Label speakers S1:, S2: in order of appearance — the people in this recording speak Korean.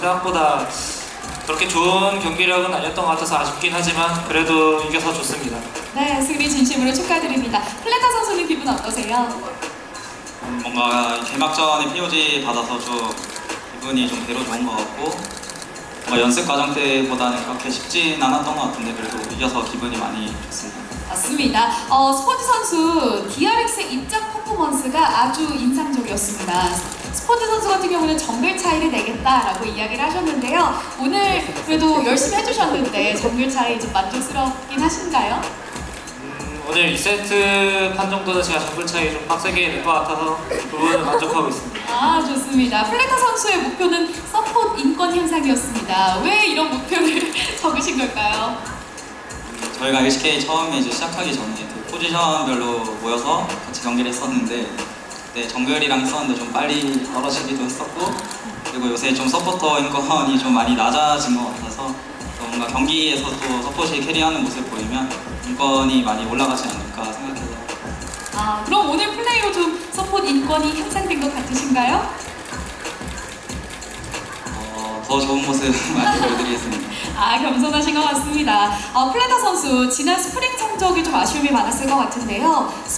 S1: 생각보다 그렇게 좋은 경기력은 아니었던 것 같아서 아쉽긴 하지만 그래도 이겨서 좋습니다.
S2: 네, 승리 진심으로 축하드립니다. 플레타 선수는 기분 어떠세요?
S3: 뭔가 개막전에 POG 받아서 좀 기분이 좀 배로 좋은 것 같고 뭔가 연습 과정 때보다는 그렇게 쉽진 않았던 것 같은데 그래도 이겨서 기분이 많이 좋습니다.
S2: 맞습니다. 스포츠 선수 DRX의 입장 퍼포먼스가 아주 인상적이었습니다. 스포츠 선수 같은 경우는 정글 차이를 내겠다라고 이야기를 하셨는데요. 오늘 그래도 열심히 해주셨는데 정글 차이 좀 만족스럽긴 하신가요?
S1: 오늘 2세트 판 정도는 제가 정글 차이 좀 빡세게 낼 것 같아서 그 부분을 만족하고 있습니다.
S2: 아, 좋습니다. 플레타 선수의 목표는 서포트 인권 향상이었습니다. 왜 이런 목표를 적으신 걸까요?
S3: 저희가 LCK 처음에 이제 시작하기 전에 그 포지션별로 모여서 같이 경기를 했었는데 그때 정글이랑 했었는데 좀 빨리 떨어지기도 했었고 그리고 요새 좀 서포터 인권이 좀 많이 낮아진 것 같아서 또 뭔가 경기에서 또 서폿이 캐리하는 모습 보이면 인권이 많이 올라가지 않을까 생각해서
S2: 아, 그럼 오늘 플레이로 좀 서포트 인권이 향상된 것 같으신가요?
S3: 더 좋은 모습 많이 보여드리겠습니다.
S2: 아, 겸손하신 것 같습니다. 플레타 선수, 지난 스프링 성적이 좀 아쉬움이 많았을 것 같은데요.